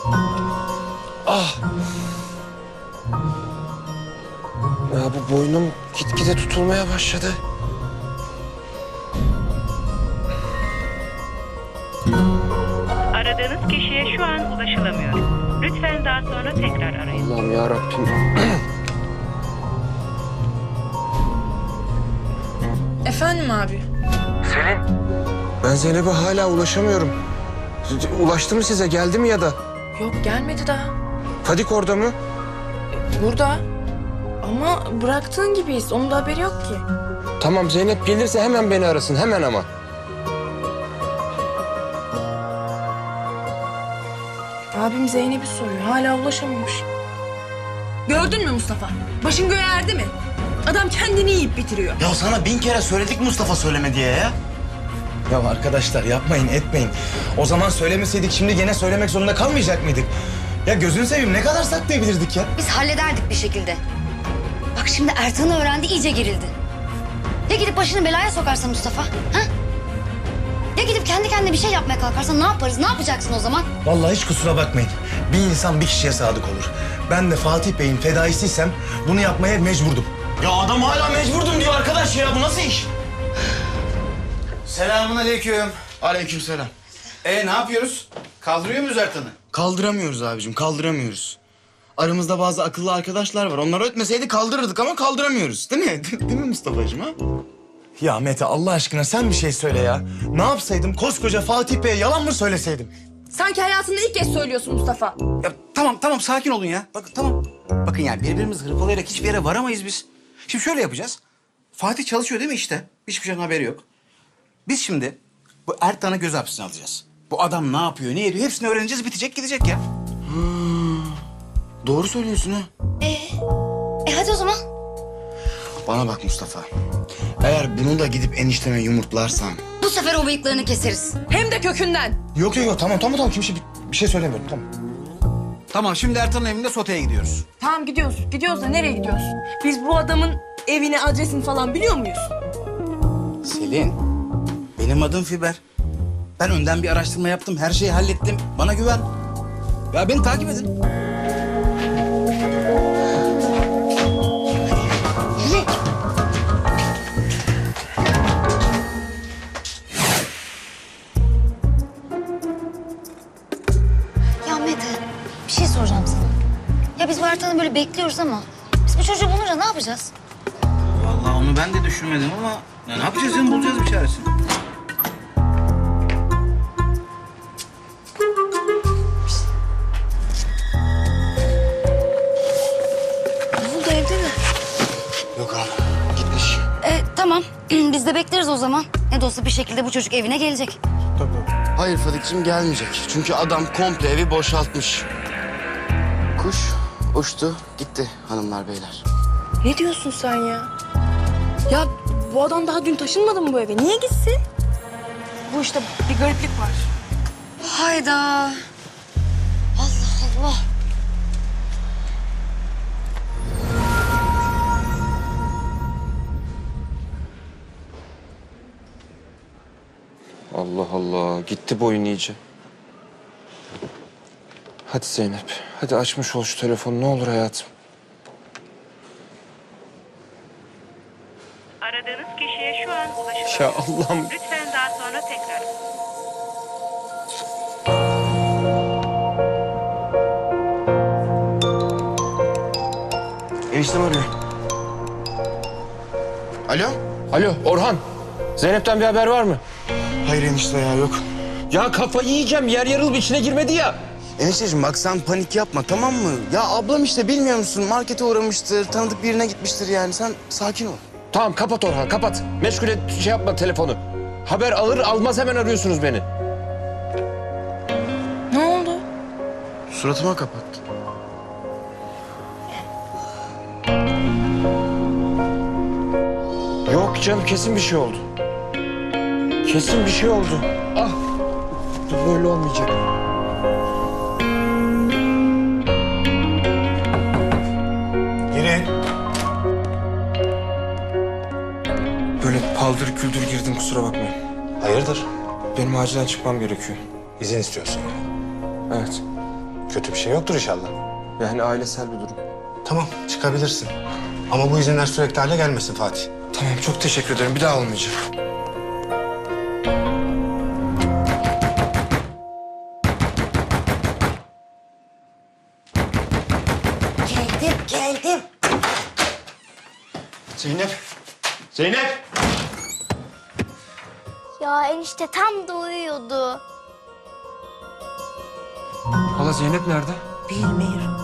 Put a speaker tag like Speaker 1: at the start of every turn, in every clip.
Speaker 1: Ah! Ya bu boynum gitgide tutulmaya başladı.
Speaker 2: Aradığınız kişiye şu an ulaşılamıyor. Lütfen daha sonra tekrar arayın.
Speaker 1: Allah'ım ya Rabbim.
Speaker 3: Efendim abi?
Speaker 1: Ben Zeynep'e hala ulaşamıyorum. Ulaştı mı size? Geldi mi ya da?
Speaker 3: Yok gelmedi daha.
Speaker 1: Fadik orada mı?
Speaker 3: Burada. Ama bıraktığın gibiyiz. Onun da haberi yok ki.
Speaker 1: Tamam, Zeynep gelirse hemen beni arasın. Hemen ama.
Speaker 3: Abim Zeynep'i soruyor. Hala ulaşamamış. Gördün mü Mustafa? Başın göğe erdi mi? Adam kendini yiyip bitiriyor.
Speaker 4: Ya sana 1000 kere söyledik Mustafa söyleme diye ya.
Speaker 5: Ya arkadaşlar yapmayın etmeyin. O zaman söylemeseydik şimdi gene söylemek zorunda kalmayacak mıydık? Ya gözünü seveyim ne kadar saklayabilirdik ya?
Speaker 6: Biz hallederdik bir şekilde. Bak şimdi Ertan'ı öğrendi, iyice gerildi. Ya gidip başını belaya sokarsa Mustafa? Ha? Ya gidip kendi kendine bir şey yapmaya kalkarsa ne yaparız? Ne yapacaksın o zaman?
Speaker 5: Vallahi hiç kusura bakmayın. Bir insan bir kişiye sadık olur. Ben de Fatih Bey'in fedaisiysem bunu yapmaya mecburdum.
Speaker 4: Ya adam hala mecburdum diyor arkadaş ya. Bu nasıl iş?
Speaker 7: Selamun aleyküm.
Speaker 4: Aleykümselam.
Speaker 7: Ne yapıyoruz? Kaldırıyor muyuz Ertan'ı?
Speaker 4: Kaldıramıyoruz abicim, kaldıramıyoruz. Aramızda bazı akıllı arkadaşlar var. Onlar ötmeseydi kaldırırdık ama kaldıramıyoruz. Değil mi? Değil mi Mustafa'cığım ha?
Speaker 5: Ya Mete Allah aşkına sen bir şey söyle ya. Ne yapsaydım koskoca Fatih Bey'e yalan mı söyleseydim?
Speaker 3: Sanki hayatında ilk kez söylüyorsun Mustafa.
Speaker 7: Ya tamam sakin olun ya. Bakın tamam. Bakın yani birbirimizi hırpalayarak hiçbir yere varamayız biz. Şimdi şöyle yapacağız. Fatih çalışıyor değil mi işte? Hiçbir şeyden haberi yok. Biz şimdi bu Ertan'ı göz hapsine alacağız. Bu adam ne yapıyor, ne ediyor hepsini öğreneceğiz, bitecek gidecek ya.
Speaker 4: Doğru söylüyorsun ha.
Speaker 6: Hadi o zaman.
Speaker 4: Bana bak Mustafa. Eğer bunu da gidip enişteme yumurtlarsam...
Speaker 6: Bu sefer o bıyıklarını keseriz.
Speaker 3: Hem de kökünden.
Speaker 5: Yok tamam kimse bir şey söylemiyorum tamam.
Speaker 7: Tamam şimdi Ertan'ın evinde soteye gidiyoruz.
Speaker 3: Tamam gidiyoruz. Gidiyoruz da nereye gidiyoruz? Biz bu adamın evini, adresini falan biliyor muyuz?
Speaker 7: Selin, benim adım Fiber. Ben önden bir araştırma yaptım, her şeyi hallettim. Bana güven. Ya beni takip edin.
Speaker 6: Ya Mete, bir şey soracağım sana. Ya biz bu Ertan'ı böyle bekliyoruz ama... biz bu çocuğu bulunca ne yapacağız?
Speaker 7: Vallahi onu ben de düşünmedim ama... ya ne yapacağız canım, bulacağız bir çaresini.
Speaker 6: Ne oldu, evde mi?
Speaker 4: Yok abi, gitmiş.
Speaker 6: Tamam. Biz de bekleriz o zaman. Ne de olsa bir şekilde bu çocuk evine gelecek.
Speaker 4: Hayır Fadik'cim gelmeyecek. Çünkü adam komple evi boşaltmış. Kuş uçtu gitti hanımlar beyler.
Speaker 3: Ne diyorsun sen ya? Ya bu adam daha dün taşınmadı mı bu eve? Niye gitsin? Bu işte bir gariplik var.
Speaker 6: Hayda. Allah Allah.
Speaker 1: Allah Allah. Gitti boyun iyice. Hadi Zeynep. Hadi açmış ol şu telefonu. Ne olur hayatım.
Speaker 2: Aradığınız kişiye şu an ulaşılamıyor.
Speaker 1: Ya Allah'ım.
Speaker 2: Lütfen daha sonra tekrar.
Speaker 4: Eniştem arıyor. Alo?
Speaker 1: Alo Orhan. Zeynep'ten bir haber var mı?
Speaker 4: Hayır enişte ya yok.
Speaker 1: Ya kafayı yiyeceğim. Yer yarılıp içine girmedi ya.
Speaker 4: Enişteciğim bak sen panik yapma tamam mı? Ya ablam işte bilmiyor musun markete uğramıştır, tanıdık birine gitmiştir yani. Sen sakin ol.
Speaker 1: Tamam kapat Orhan kapat. Meşgule şey yapma telefonu. Haber alır almaz hemen arıyorsunuz beni.
Speaker 3: Ne oldu?
Speaker 4: Suratıma kapat.
Speaker 1: Yok canım kesin bir şey oldu. Kesin bir şey oldu. Ah. Bu böyle olmayacak.
Speaker 5: Girin.
Speaker 1: Böyle paldır küldür girdim kusura bakmayın.
Speaker 5: Hayırdır?
Speaker 1: Benim acilen çıkmam gerekiyor.
Speaker 5: İzin istiyorsun.
Speaker 1: Evet.
Speaker 8: Kötü bir şey yoktur inşallah.
Speaker 1: Yani ailesel bir durum.
Speaker 8: Tamam, çıkabilirsin. Ama bu izinler sürekli hale gelmesin Fatih.
Speaker 1: Tamam, çok teşekkür ederim. Bir daha olmayacak.
Speaker 9: Geldim.
Speaker 8: Zeynep! Zeynep!
Speaker 9: Ya enişte tam da uyuyordu.
Speaker 1: Hala Zeynep nerede?
Speaker 9: Bilmiyorum.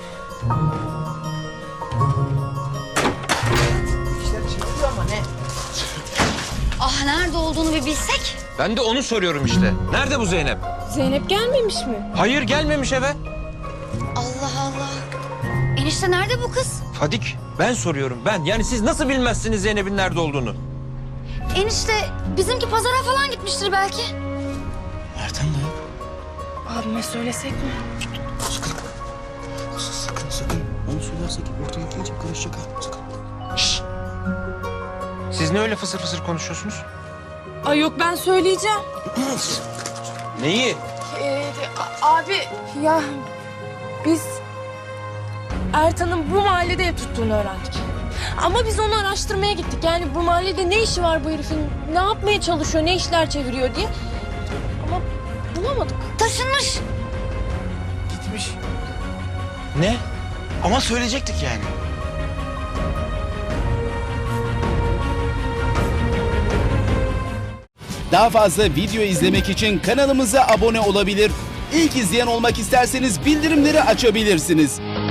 Speaker 6: Ah nerede olduğunu bir bilsek.
Speaker 10: Ben de onu soruyorum işte. Nerede bu Zeynep?
Speaker 3: Zeynep gelmemiş mi?
Speaker 10: Hayır gelmemiş eve.
Speaker 6: Allah Allah. Enişte nerede bu kız?
Speaker 10: Fadik ben soruyorum ben. Yani siz nasıl bilmezsiniz Zeynep'in nerede olduğunu?
Speaker 6: Enişte bizimki pazara falan gitmiştir belki.
Speaker 5: Ertan da yok.
Speaker 3: Abime söylesek mi?
Speaker 4: Sakın. Onu söylersek ortalık iyice karışacak ha. Sakın.
Speaker 10: Siz ne öyle fısır fısır konuşuyorsunuz?
Speaker 3: Ay yok ben söyleyeceğim.
Speaker 10: Neyi?
Speaker 3: Abi ya biz Ertan'ın bu mahallede ev tuttuğunu öğrendik. Ama biz onu araştırmaya gittik. Yani bu mahallede ne işi var bu herifin? Ne yapmaya çalışıyor, ne işler çeviriyor diye. Ama bulamadık.
Speaker 6: Taşınmış.
Speaker 5: Gitmiş. Ne? Ama söyleyecektik yani.
Speaker 11: Daha fazla video izlemek için kanalımıza abone olabilir. İlk izleyen olmak isterseniz bildirimleri açabilirsiniz.